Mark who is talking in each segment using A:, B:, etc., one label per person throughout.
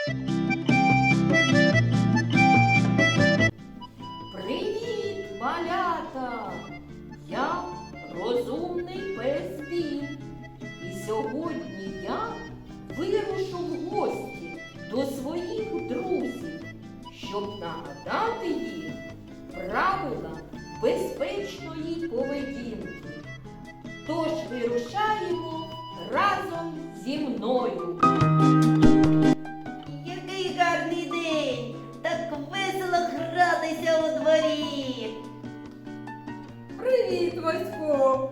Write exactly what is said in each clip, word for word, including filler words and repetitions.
A: Привіт, малята! Я розумний пес Бін. І сьогодні я вирушу в гості до своїх друзів, щоб нагадати їм правила безпечної поведінки. Тож вирушаємо разом зі мною.
B: Який гарний день! Так весело гратися у дворі!
C: Привіт, Васько!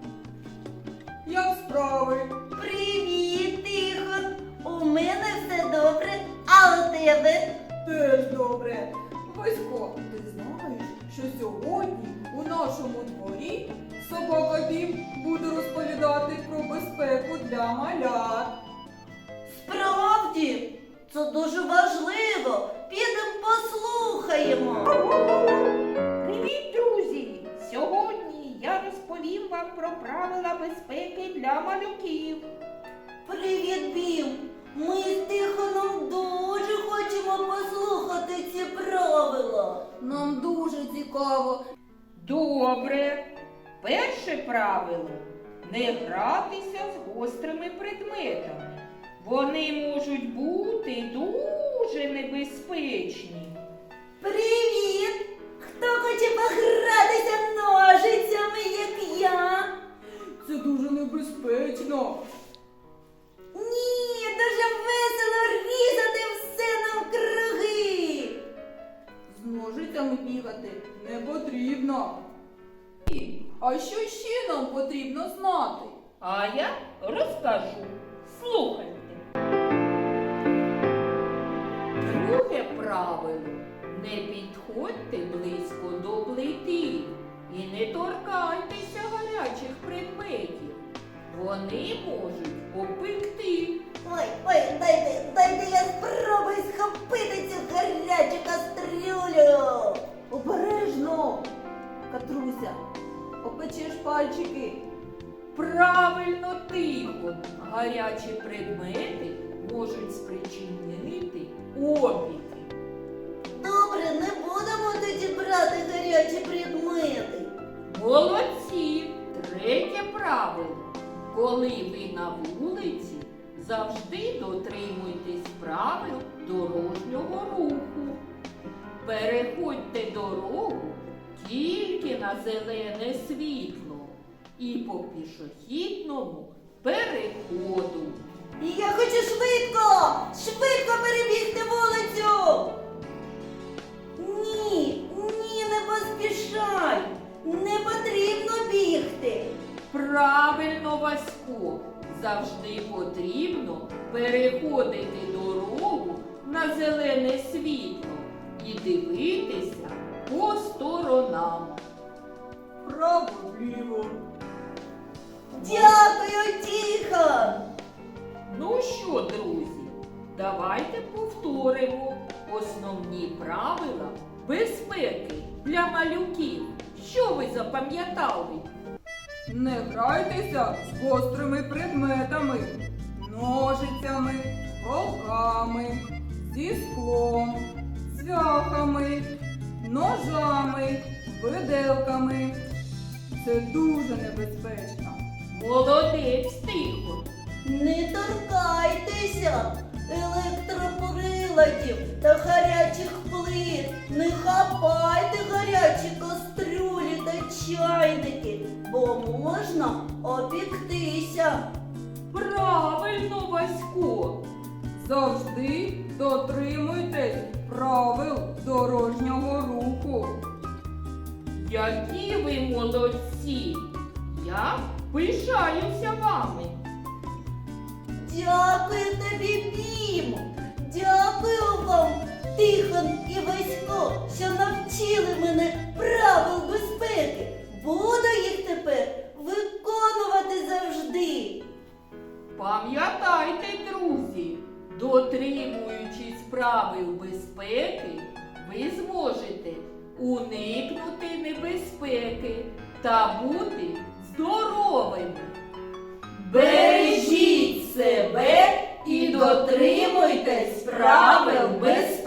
C: Як справи?
B: Привіт, Тихон! У мене все добре, а у тебе?
C: Теж добре. Васько, ти знаєш, що сьогодні у нашому дворі собака Бім буде розповідати про безпеку для малят.
B: Справді, це дуже важливо. Підемо послухаємо.
A: Привіт, друзі! Сьогодні я розповім вам про правила безпеки для малюків.
B: Привіт, Бім! Ми з Тихоном дуже хочемо послухати ці правила. Нам дуже цікаво.
A: Добре. Перше правило – не гратися з гострими предметами. Вони можуть бути дуже небезпечні.
B: Привіт! Хто хоче погратися ножицями, як я?
C: Це дуже небезпечно.
B: Ні, дуже весело різати все навкруги.
C: З ножицями бігати не потрібно. І, А що ще нам потрібно знати?
A: А я розкажу. Слухайте. Друге правило – не підходьте близько до плити і не торкайтеся гарячих предметів. Вони можуть попекти.
B: Ой, ой, дайте, дайте я спробую схопити цю гарячу кастрюлю. Обережно, Катруся,
C: Опечеш пальчики.
A: Правильно, Тихо. Гарячі предмети можуть спричинити опіки.
B: добре, не будемо тоді брати гарячі предмети.
A: Молодці! Третє правило. Коли ви на вулиці, завжди дотримуйтесь правил дорожнього руху. Переходьте дорогу тільки на зелене світло і по пішохідному переходу.
B: І я хочу швидко, швидко перебігти вулицю. Ні, ні, не поспішай. Не потрібно бігти.
A: Правильно, Васько, завжди потрібно переходити дорогу на зелене світло і дивитися по сторонам.
C: Право-вліво.
B: Дякую, Тихон.
A: Ну що, друзі, давайте повторимо основні правила безпеки для малюків. Що ви запам'ятали?
C: Не грайтеся з гострими предметами, ножицями, голками, зі склом, цвяхами, ножами, виделками. Це дуже небезпечно.
A: Молодець, Тихо.
B: Не торкайтеся електроприладів та гарячих плит. Не хапайте гарячі кастрюлі та чайники, бо можна опіктися.
A: Правильно, Васько.
C: Завжди дотримуйтесь правил дорожнього руху.
A: Які ви молодці! Я пишаюся вами.
B: Дякую тобі, Бім! Дякую вам, Тихон і Васько, що навчили мене правил безпеки. Буду їх тепер виконувати завжди.
A: Пам'ятайте, друзі, дотримуючись правил безпеки, ви зможете уникнути небезпеки та бути здоровими. Бережіть себе і дотримуйтесь правил безпеки.